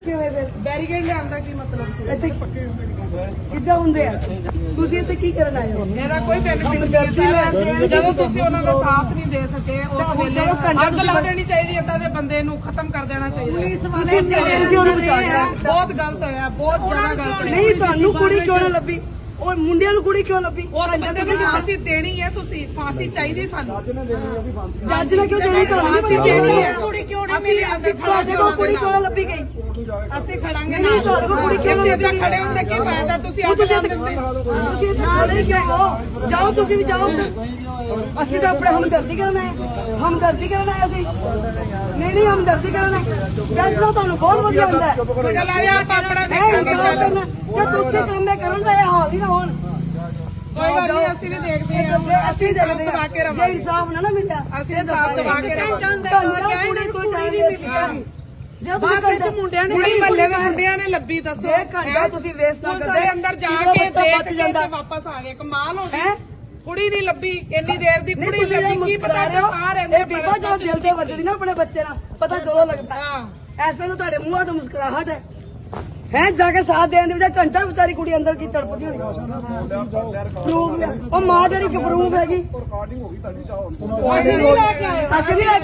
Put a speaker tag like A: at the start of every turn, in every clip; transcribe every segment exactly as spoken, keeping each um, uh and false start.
A: Barricade ਲਿਆਉਣ ਕੀ ਮਤਲਬ ਸੀ?
B: ਇੱਥੇ ਕਿੱਦਾਂ ਹੁੰਦੇ ਆ? ਤੁਸੀਂ ਇੱਥੇ ਕੀ ਕਰਨ ਆਏ ਹੋ?
A: ਇਹਦਾ ਕੋਈ ਬੈਨੀਫਿਟ ਨਹੀਂ। ਜਦੋਂ ਤੁਸੀਂ ਉਹਨਾਂ ਦਾ ਸਾਥ ਨਹੀਂ ਦੇ ਸਕੇ ਉਸ ਵੇਲੇ ਅੱਗ ਲਾ ਦੇਣੀ ਚਾਹੀਦੀ, ਏਦਾਂ ਦੇ ਬੰਦੇ ਨੂੰ ਖਤਮ ਕਰ ਦੇਣਾ ਚਾਹੀਦਾ।
B: ਤੁਸੀਂ ਉਹਨੂੰ ਬਚਾਇਆ।
A: ਬਹੁਤ ਗਲਤ ਹੋਇਆ, ਬਹੁਤ ਜ਼ਿਆਦਾ ਗਲਤ ਹੋਇਆ।
B: ਨਹੀਂ ਤੁਹਾਨੂੰ ਕੁੜੀ ਕਿਉਂ ਨਾ ਲੱਭੀ? ਉਹ ਮੁੰਡਿਆਂ ਨੂੰ ਕੁੜੀ ਕਿਉਂ ਲੱਭੀ?
A: ਉਹ ਬੰਦੇ ਨੂੰ ਫਾਂਸੀ ਦੇਣੀ ਹੈ, ਤੁਸੀਂ ਫਾਂਸੀ ਚਾਹੀਦੀ ਸਾਨੂੰ।
B: ਜੱਜ ਨੇ ਕਿਉਂ ਦੇਣੀ? ਤੁਹਾਨੂੰ
A: ਫਾਂਸੀ ਦੇਣੀ ਹੈ। ਕੁੜੀ ਕਿਉਂ ਨਹੀਂ ਮਿਲੀ? ਅਸੀਂ
B: ਤੁਹਾਡੇ ਕੋਲ ਕੁੜੀ ਕਿਉਂ ਲੱਭੀ ਗਈ?
A: ਅਸੀਂ ਖੜਾਂਗੇ
B: ਨਹੀਂ ਤੁਹਾਡੇ ਕੋਲ ਕੁੜੀ ਕਿਉਂ
A: ਏਦਾਂ ਖੜੇ ਹੁੰਦੇ ਕੀ ਫਾਇਦਾ? ਤੁਸੀਂ ਅੱਗ ਲਾ ਦਿੰਦੇ।
B: ਤੁਸੀਂ ਇੱਥੇ ਖੜੇ ਕਿਉਂ ਹੋ? ਜਾਓ ਤੁਸੀਂ ਵੀ ਜਾਓ। ਅਸੀਂ ਤਾਂ ਆਪਣੇ ਹਮਦਰਦੀ ਕਰਨ ਆਏ, ਹਮਦਰਦੀ ਕਰਨ ਆਏ ਅਸੀਂ। ਨਹੀਂ ਨਹੀਂ ਹਮਦਰਦੀ ਕਰਨ ਆਏ। ਫੈਸਲਾ ਤੁਹਾਨੂੰ ਬਹੁਤ ਵਧੀਆ ਹੁੰਦਾ ਹੈ।
A: ਚੱਲ ਆ ਜਾ ਆਪਾਂ ਆਪਣਾ
B: ਦੇਖਾਂਗੇ।
A: ਦੇਖਾਂਗੇ।
B: ਜੇ ਦੂਸਰੇ ਕੰਮ ਇਹ ਕਰਨ ਦਾ ਇਹ ਹਾਲ ਹੀ ਨਾ ਹੋਣ।
A: ਕੋਈ ਗੱਲ ਨਹੀਂ, ਅਸੀਂ ਵੀ ਦੇਖਦੇ ਹਾਂ।
B: ਅਸੀਂ ਦੇਖਦੇ
A: ਦਬਾ ਕੇ
B: ਹਾਂ। ਜੇ
A: ਰਵਾਂਗੇ।
B: ਇਨਸਾਫ ਨਾ ਨਾ ਮਿਲਿਆ
A: ਅਸੀਂ ਇਨਸਾਫ ਦਬਾ ਕੇ ਰਵਾਂਗੇ।
B: ਤੁਹਾਨੂੰ ਕੁੜੀ ਕੋਈ ਟਾਈਮ ਨਹੀਂ ਮਿਲੀ। ਜੇ ਤੁਸੀਂ ਘੰਟਾ ਮੁੰਡਿਆਂ ਨੇ
A: ਕੁੜੀ ਮੱਲੇ ਦੇ ਮੁੰਡਿਆਂ ਨੇ ਲੱਭੀ, ਦੱਸੋ।
B: ਜੇ ਘੰਟਾ ਤੁਸੀਂ ਵੇਸਟ ਨਾ
A: ਪੁਲਿਸ
B: ਕਰਦੇ
A: ਵਾਲੇ ਅੰਦਰ ਜਾ
B: ਜਦੋਂ
A: ਕੇ
B: ਬੱਚਾ
A: ਦੇਖ
B: ਬਚ
A: ਕੇ
B: ਜਾਂਦਾ।
A: ਤੇ ਵਾਪਸ ਆ ਗਏ। ਕਮਾਲ ਹੋ
B: ਹੈ
A: ਗਈ। ਕੁੜੀ ਨਹੀਂ ਲੱਭੀ ਇੰਨੀ ਦੇਰ ਦੀ।
B: ਨਹੀਂ
A: ਕੁੜੀ
B: ਤੁਸੀਂ
A: ਲੱਭੀ, ਕੀ
B: ਮੁਸਕਰਾ
A: ਪਤਾ
B: ਰਹੇ ਹੋ?
A: ਸਾਹ ਰਹਿੰਦੇ
B: ਇਹ ਬੀਬਾ ਜਦੋਂ ਦਿਲ ਤੇ ਵੱਜਦੀ ਨਾ ਆਪਣੇ ਬੱਚੇ ਨਾਲ, ਪਤਾ ਜਦੋਂ ਲੱਗਦਾ।
A: ਹਾਂ,
B: ਐਸੇ ਨੂੰ ਤੁਹਾਡੇ ਮੂੰਹਾਂ ਤੋਂ ਮੁਸਕਰਾਹਟ ਹੈ। ਹੈ ਜਾ ਕੇ ਸਾਥ ਦੇਣ ਦੇ ਵਿੱਚ ਘੰਟਾ ਵਿਚਾਰੀ ਕੁੜੀ ਅੰਦਰ ਕੀ ਤੜਪਦੀ ਹੋਣੀ। ਪ੍ਰੂਫ ਲਿਆ। ਉਹ ਮਾਂ ਜਿਹੜੀ ਕਿ ਪ੍ਰੂਫ ਹੈਗੀ। ਅਸੀਂ ਨਹੀਂ ਲੈ ਕੇ ਆਏ।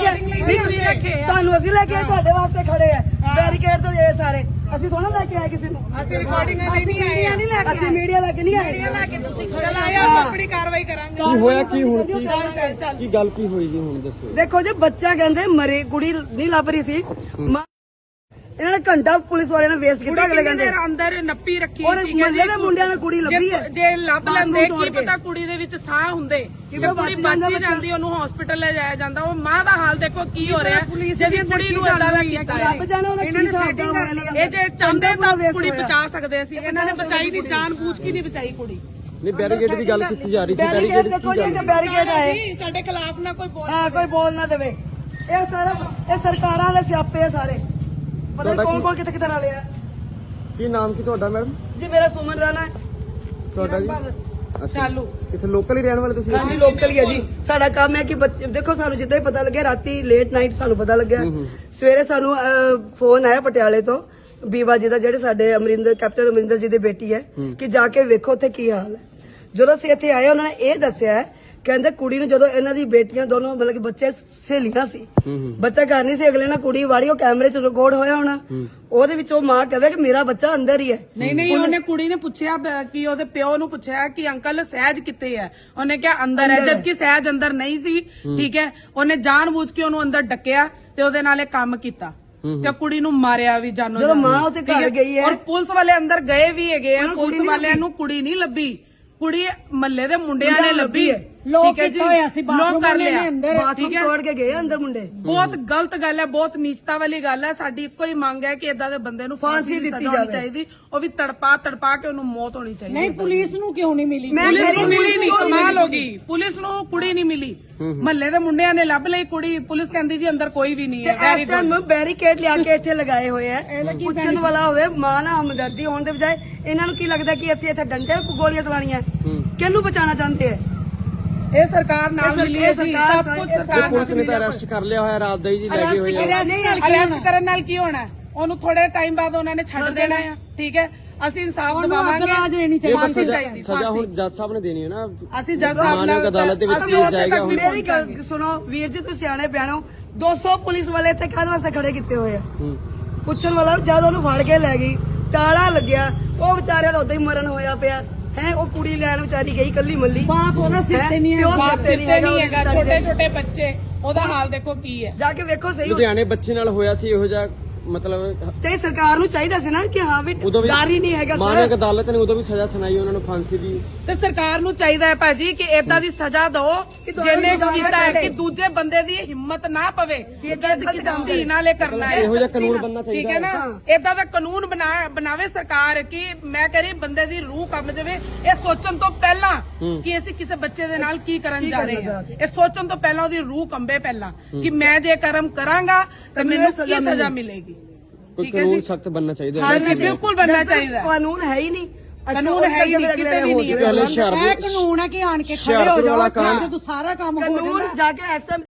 B: ਤੁਹਾਨੂੰ ਅਸੀਂ ਲੈ ਕੇ ਆਏ, ਤੁਹਾਡੇ ਵਾਸਤੇ ਖੜੇ ਆ ਬੈਰੀਕੇਡ ਤੋਂ ਇਹ ਸਾਰੇ। ਅਸੀਂ ਥੋੜਾ ਲੈ ਕੇ ਆਏ ਕਿਸੇ ਨੂੰ।
A: ਅਸੀਂ ਰਿਕਾਰਡਿੰਗ ਲਈ ਨਹੀਂ ਆਏ।
B: ਅਸੀਂ ਮੀਡੀਆ ਲੈ ਕੇ ਨਹੀਂ ਆਏ।
A: ਚੱਲ ਆਇਆ, ਆਪਣੀ ਕਾਰਵਾਈ ਕਰਾਂਗੇ।
C: ਕੀ ਹੋਇਆ? ਕੀ ਹੁਣ ਕੀ
A: ਚੱਲ ਚੱਲ
C: ਕੀ ਗੱਲ ਕੀ ਹੋਈ ਜੀ ਹੁਣ ਦੱਸੋ।
B: ਦੇਖੋ ਜੀ ਬੱਚਾ ਕਹਿੰਦੇ ਮਰੇ, ਕੁੜੀ ਨਹੀਂ ਲੱਭ ਰਹੀ ਸੀ। ਮਾਂ- ਇਹਨਾਂ ਨੇ ਘੰਟਾ ਪੁਲਿਸ ਵਾਲਿਆਂ ਨੇ ਵੇਸਟ ਕੀਤਾ। ਅਗਲੇ ਕਹਿੰਦੇ
A: ਅੰਦਰ ਨੱਪੀ ਰੱਖੀ।
B: ਔਰ ਮੁੰਡੇ ਦੇ ਮੁੰਡਿਆਂ ਨੇ ਕੁੜੀ ਲੱਭੀ ਹੈ।
A: ਜੇ ਲੱਭ ਲੈਂਦੇ
B: ਤੋੜ
A: ਕੀ
B: ਕੇ।
A: ਪਤਾ ਕੁੜੀ ਦੇ ਵਿੱਚ ਸਾਹ ਹੁੰਦੇ।
B: ਕਿਵੇਂ
A: ਜੇ ਕੁੜੀ
B: ਬਚ ਜਾਂਦਾ
A: ਬਚ
B: ਬੱਚਾ।
A: ਜਾਂਦੀ, ਉਹਨੂੰ ਹਸਪੀਟਲ ਲੈ ਜਾਇਆ ਜਾਂਦਾ। ਉਹ ਮਾਂ ਦਾ ਹਾਲ ਦੇਖੋ ਕੀ ਹੋ ਰਿਹਾ। ਜਿਹਦੀ ਕੁੜੀ ਨੂੰ ਏਦਾਂ ਦਾ ਕੀਤਾ ਹੈ।
B: ਰੱਬ ਜਾਣੇ ਉਹਨੇ ਕੀ ਹਿਸਾਬ ਦਾ ਹੋਇਆ ਇਹਨਾਂ ਦਾ।
A: ਇਹ ਜੇ ਚਾਹੁੰਦੇ ਤਾਂ
B: waste
A: ਕੁੜੀ
B: ਹੋਇਆ।
A: ਬਚਾ ਸਕਦੇ ਸੀ। ਇਹਨਾਂ ਨੇ ਬਚਾਈ ਨਹੀਂ, ਜਾਨ ਬੂਝ ਕੇ ਨਹੀਂ ਬਚਾਈ ਕੁੜੀ।
C: ਨਹੀਂ ਬੈਰੀਕੇਡ ਦੀ ਗੱਲ ਕੀਤੀ ਜਾ ਰਹੀ ਸੀ।
B: ਬੈਰੀਕੇਡ ਦੇਖੋ ਜੀ, ਇੱਥੇ ਬੈਰੀਕੇਡ ਆਏ।
A: ਨਹੀਂ, ਸਾਡੇ ਖਿਲਾਫ ਨਾ ਕੋਈ ਬੋਲ।
B: ਹਾਂ ਕੋਈ ਬੋਲ ਨਾ ਦੇਵੇ। ਇਹ ਸਾਰਾ ਇਹ ਸਰਕਾਰਾਂ ਦੇ ਸਿਆਪੇ ਆ ਸਾਰੇ। ਪਤਾ ਨਹੀਂ ਕੌਣ ਕੌਣ ਕਿੱਥੇ ਕਿੱਥੇ ਰਲੇ ਆ।
C: ਕੀ ਨਾਮ ਕੀ ਤੁਹਾਡਾ ਮੈਡਮ?
B: ਜੀ ਮੇਰਾ ਸੁਮਨ ਰਾਣਾ ਹੈ।
C: ਤੁਹਾਡਾ ਜੀ? ਅੱਛਾ,
A: ਚਾਲੂ
C: ਕਿੱਥੇ ਲੋਕਲ ਹੀ ਰਹਿਣ ਵਾਲੇ ਤੁਸੀਂ?
B: ਹਾਂਜੀ ਲੋਕਲ ਹੀ ਹੈ ਜੀ। ਸਾਡਾ ਕੰਮ ਹੈ ਕਿ ਬੱਚੇ ਦੇਖੋ, ਸਾਨੂੰ ਜਿੱਦਾਂ ਹੀ ਪਤਾ ਲੱਗਿਆ ਰਾਤੀ ਲੇਟ ਨਾਈਟ ਸਾਨੂੰ ਪਤਾ ਲੱਗਿਆ।
C: ਹੂੰ ਹੂੰ।
B: ਸਵੇਰੇ ਸਾਨੂੰ ਫੋਨ ਆਇਆ ਪਟਿਆਲੇ ਤੋਂ ਬੀਵਾ ਜੀ ਦਾ, ਜਿਹੜੇ ਸਾਡੇ ਅਮਰਿੰਦਰ ਕੈਪਟਨ ਅਮਰਿੰਦਰ ਜੀ ਦੀ ਬੇਟੀ ਹੈ,
C: ਹੂੰ।
B: ਕਿ ਜਾ ਕੇ ਵੇਖੋ ਉੱਥੇ ਕੀ ਹਾਲ ਹੈ। ਜਦੋਂ ਅਸੀਂ ਇੱਥੇ ਆਏ ਉਹਨਾਂ ਨੇ ਇਹ ਦੱਸਿਆ ਹੈ, ਕਹਿੰਦੇ ਕੁੜੀ ਨੂੰ ਜਦੋਂ ਇਹਨਾਂ ਦੀ ਬੇਟੀਆਂ ਦੋਨੋਂ ਮਤਲਬ ਕਿ ਬੱਚੇ ਸਹੇਲੀਆਂ ਸੀ,
C: ਹੂੰ ਹੂੰ
B: ਬੱਚਾ ਘਰ ਨਹੀਂ ਸੀ, ਅਗਲੇ ਨਾਲ ਕੁੜੀ ਵਾੜੀ, ਉਹ ਕੈਮਰੇ 'ਚ ਰਿਕਾਰਡ ਹੋਇਆ ਹੋਣਾ।
C: ਹੂੰ।
B: ਉਹਦੇ ਵਿੱਚ ਉਹ ਮਾਂ ਕਹਵੇ ਕਿ ਮੇਰਾ ਬੱਚਾ ਅੰਦਰ ਹੀ ਹੈ।
A: ਨਹੀਂ ਨਹੀਂ, ਉਹਨੇ ਕੁੜੀ ਨੇ ਪੁੱਛਿਆ ਬ- ਕਿ ਉਹਦੇ ਪਿਓ ਨੂੰ ਪੁੱਛਿਆ ਕਿ ਅੰਕਲ ਸਹਿਜ ਕਿੱਥੇ ਹੈ। ਉਹਨੇ ਕਿਹਾ ਅੰਦਰ ਹੈ, ਜਦਕਿ ਸਹਿਜ ਅੰਦਰ ਨਹੀਂ ਸੀ। ਠੀਕ ਹੈ, ਉਹਨੇ ਜਾਣਬੁੱਝ ਕੇ ਉਹਨੂੰ ਅੰਦਰ ਡੱਕਿਆ ਤੇ ਉਹਦੇ ਨਾਲ ਇਹ ਕੰਮ ਕੀਤਾ ਤੇ ਕੁੜੀ ਨੂੰ ਮਾਰਿਆ ਵੀ ਜਾਨੋ।
B: ਜਦੋਂ ਮਾਂ ਉੱਥੇ ਘਰ ਗਈ ਹੈ
A: ਔਰ ਪੁਲਿਸ ਵਾਲੇ ਅੰਦਰ ਗਏ ਵੀ ਹੈਗੇ ਆ। ਪੁਲਿਸ ਵਾਲਿਆਂ ਨੂੰ ਕੁੜੀ ਨਹੀਂ ਲੱਭੀ, ਕੁੜੀ ਮੱਲੇ ਦੇ ਮੁੰਡਿਆਂ ਨੇ ਲੱਭੀ ਹੈ। ਠੀਕ ਹੈ ਜੀ, ਲੋਕ ਕਰ ਲਿਆ।
B: ਬਾਥਰੂਮ ਤੋੜ ਕੇ ਗਏ ਅੰਦਰ ਮੁੰਡੇ।
A: ਬਹੁਤ ਗਲਤ ਗੱਲ ਹੈ, ਬਹੁਤ ਨੀਚਤਾ ਵਾਲੀ ਗੱਲ ਹੈ। ਸਾਡੀ ਇੱਕੋ ਹੀ ਮੰਗ ਹੈ ਕਿ ਏਦਾਂ ਦੇ ਬੰਦੇ ਨੂੰ ਫਾਂਸੀ ਦਿੱਤੀ ਜਾਣੀ ਚਾਹੀਦੀ। ਉਹ ਵੀ ਤੜਪਾ ਤੜਪਾ ਕੇ ਉਹਨੂੰ ਮੌਤ ਹੋਣੀ ਚਾਹੀਦੀ।
D: ਨਹੀਂ ਪੁਲਿਸ ਨੂੰ ਕਿਉਂ ਨਹੀਂ ਮਿਲੀ?
A: ਪੁਲਿਸ ਨੂੰ ਮਿਲੀ ਨਹੀਂ, ਕਮਾਲ ਹੋ ਗਈ। ਪੁਲਿਸ ਨੂੰ ਕੁੜੀ ਨਹੀਂ ਮਿਲੀ। ਮਹੱਲੇ ਦੇ ਮੁੰਡਿਆਂ ਨੇ ਲੱਭ ਲਈ ਕੁੜੀ। ਪੁਲਿਸ ਕਹਿੰਦੀ ਜੀ ਅੰਦਰ ਕੋਈ ਵੀ ਨਹੀਂ ਹੈ।
B: ਇਸ ਟਾਈਮ ਬੈਰੀਕੇਡ ਲਿਆ ਕੇ ਇੱਥੇ ਲਗਾਏ ਹੋਏ ਆ। ਪੁੱਛਣ ਵਾਲਾ ਹੋਵੇ ਮਾਂ ਨਾਲ ਹਮਦਰਦੀ ਹੋਣ ਦੇ ਬਜਾਏ ਇਹਨਾਂ ਨੂੰ ਕੀ ਲੱਗਦਾ ਕਿ ਅਸੀਂ ਇੱਥੇ ਡੰਡੇ ਗੋਲੀਆਂ ਚਲਾਣੀਆਂ। ਕਿਹਨੂੰ ਬਚਾਉਣਾ ਚਾਹੁੰਦੇ ਆ?
A: ਇਹ ਸਰਕਾਰ ਨਾਲ ਮਿਲੀ ਹੈ ਜੀ, ਸਭ ਕੁਝ ਸਰਕਾਰ
C: ਪੁਲਿਸ
A: ਨਾਲ
C: ਨੇ ਤਾਂ ਅਰੈਸਟ ਕਰ ਲਿਆ ਹੋਇਆ ਰਾਤ ਦਾ ਹੀ ਜੀ, ਲੈ ਕੇ ਹੋਏ ਆ।
A: ਅਰੈਸਟ ਕਰਨ ਨਾਲ ਕੀ ਹੋਣਾ? ਉਹਨੂੰ ਥੋੜੇ ਟਾਈਮ ਬਾਅਦ ਉਹਨਾਂ ਨੇ ਛੱਡ ਦੇਣਾ ਆ। ਠੀਕ ਹੈ, ਅਸੀਂ ਇਨਸਾਫ ਦਿਵਾਵਾਂਗੇ।
C: ਇਹ ਤਾਂ
A: ਫਾਂਸੀ
C: ਸਜ਼ਾ
A: ਚਾਹੀਦੀ,
C: ਸਜ਼ਾ ਹੁਣ ਜੱਜ ਸਾਹਿਬ ਨੇ ਦੇਣੀ ਹੈ ਨਾ।
A: ਅਸੀਂ ਜੱਜ ਸਾਹਿਬ ਨਾਲ
C: ਮਾਨਯੋਗ ਅਦਾਲਤ ਦੇ ਵਿੱਚ
A: ਅਸੀਂ
C: ਕੇਸ
A: ਉੱਥੇ
C: ਜਾਏਗਾ
A: ਤੱਕ
C: ਹੁਣ।
A: ਵੀ
B: ਮੇਰੀ ਗੱਲ ਸੁਣੋ ਵੀਰ ਜੀ, ਤੁਸੀਂ ਸਿਆਣੇ ਬਿਆਣੋ। ਦੋ ਸੌ ਪੁਲਿਸ ਵਾਲੇ ਇੱਥੇ ਕਾਹਦੇ ਵਾਸਤੇ ਖੜੇ ਕੀਤੇ ਹੋਏ ਆ?
C: ਹੂੰ।
B: ਪੁੱਛਣ ਵਾਲਾ ਜਦ ਉਹਨੂੰ ਫੜ ਕੇ ਲੈ ਗਈ, ਤਾਲਾ ਲੱਗਿਆ, ਉਹ ਵਿਚਾਰਿਆਂ ਦਾ ਉਦਾਂ ਹੀ ਮਰਨ ਹੋਇਆ ਪਿਆ ਹੈ। ਉਹ ਕੁੜੀ ਲੈਣ ਵਿਚਾਰੀ ਗਈ ਕੱਲੀ ਮੱਲੀ।
D: ਬਾਪ ਉਹਦਾ ਸਿਰ ਤੇ ਨਹੀਂ ਹੈ।
B: ਪਿਓ
A: ਬਾਪ
B: ਸਿਰ ਤੇ
A: ਦਿੱਤੇ ਨਹੀਂ ਹੈਗਾ।
B: ਵਿਚਾਰੀ
A: ਛੋਟੇ
B: ਦੇ।
A: ਛੋਟੇ ਬੱਚੇ, ਉਹਦਾ ਹਾਲ ਦੇਖੋ ਕੀ ਹੈ।
B: ਜਾ ਕੇ ਵੇਖੋ ਸਹੀ।
C: ਲੁਧਿਆਣੇ ਬੱਚੇ ਨਾਲ ਹੋਇਆ ਸੀ ਇਹੋ ਜਿਹਾ, ਮਤਲਬ
B: ਤੇ ਸਰਕਾਰ ਨੂੰ ਚਾਹੀਦਾ ਸੀ ਨਾ ਕਿ ਹਾਂ ਵੀ
C: ਉਦੋਂ ਵੀ
B: ਡਰ ਹੀ ਨਹੀਂ ਹੈਗਾ
C: ਮਾਨਯੋਗ
B: ਸਰ।
C: ਅਦਾਲਤ ਨੇ ਉਦੋਂ ਵੀ ਸਜ਼ਾ ਸੁਣਾਈ ਉਹਨਾਂ ਨੂੰ ਫਾਂਸੀ ਦੀ।
A: ਤੇ ਸਰਕਾਰ ਨੂੰ ਚਾਹੀਦਾ ਹੈ ਭਾਜੀ ਕਿ ਏਦਾਂ ਦੀ ਸਜ਼ਾ ਦਿਓ ਜਿਹਨੇ ਕੀਤਾ ਹੈ ਕਿ ਦੂਜੇ ਬੰਦੇ ਦੀ ਹਿੰਮਤ ਨਾ ਪਵੇ ਕਿ ਅਸੀਂ ਕਿਸੇ ਧੀ ਨਾਲ ਇਹ ਕਰਨਾ ਹੈ।
C: ਇਹੋ ਜਿਹਾ ਕਾਨੂੰਨ ਬਣਨਾ
A: ਠੀਕ
C: ਚਾਹੀਦਾ
A: ਹੈ ਨਾ, ਏਦਾਂ ਦਾ ਕਾਨੂੰਨ ਬਣਾ ਬਣਾਵੇ ਸਰਕਾਰ ਕਿ ਮੈਂ ਕਹ ਰਹੀ ਬੰਦੇ ਦੀ ਰੂਹ ਕੰਬ ਜਾਵੇ ਇਹ ਸੋਚਣ ਤੋਂ ਪਹਿਲਾਂ ਕਿ ਅਸੀਂ ਕਿਸੇ ਬੱਚੇ ਦੇ ਨਾਲ ਕੀ ਕਰਨ ਜਾ ਰਹੇ ਹਾਂ। ਇਹ ਸੋਚਣ ਤੋਂ ਪਹਿਲਾਂ ਉਹਦੀ ਰੂਹ ਕੰਬੇ ਪਹਿਲਾਂ ਕਿ ਮੈਂ ਜੇ ਕਰਮ ਕਰਾਂਗਾ ਤਾਂ ਮੈਨੂੰ ਕੀ ਸਜ਼ਾ ਮਿਲੇਗੀ।
C: ਕੋਈ ਕਾਨੂੰਨ ਸਖਤ ਬਣਨਾ ਚਾਹੀਦਾ
A: ਹਾਂ
C: ਹੈ।
A: ਜੀ, ਬਿਲਕੁਲ ਬਣਨਾ ਚਾਹੀਦਾ ਹੈ।
B: ਕਾਨੂੰਨ ਹੈ ਹੀ ਨਹੀਂ।
A: ਕਾਨੂੰਨ ਹੈ ਹੀ ਨਹੀਂ, ਕਿਤੇ ਵੀ ਨਹੀਂ ਹੈ।
C: ਪਹਿਲੇ ਸ਼ਹਿਰ
D: ਇਹ ਕਾਨੂੰਨ ਹੈ ਕਿ ਆਣ ਕੇ ਖੜੇ ਹੋ
C: ਹੁਸ਼ਿਆਰਪੁਰ
D: ਜਾਓ
C: ਵਾਲਾ ਕਾਂਡ
D: ਜਦੋਂ ਸਾਰਾ ਕੰਮ ਹੋ
B: ਕਾਨੂੰਨ
D: ਜਾਂਦਾ।
B: ਜਾ ਕੇ ਇਸ ਟਾਈਮ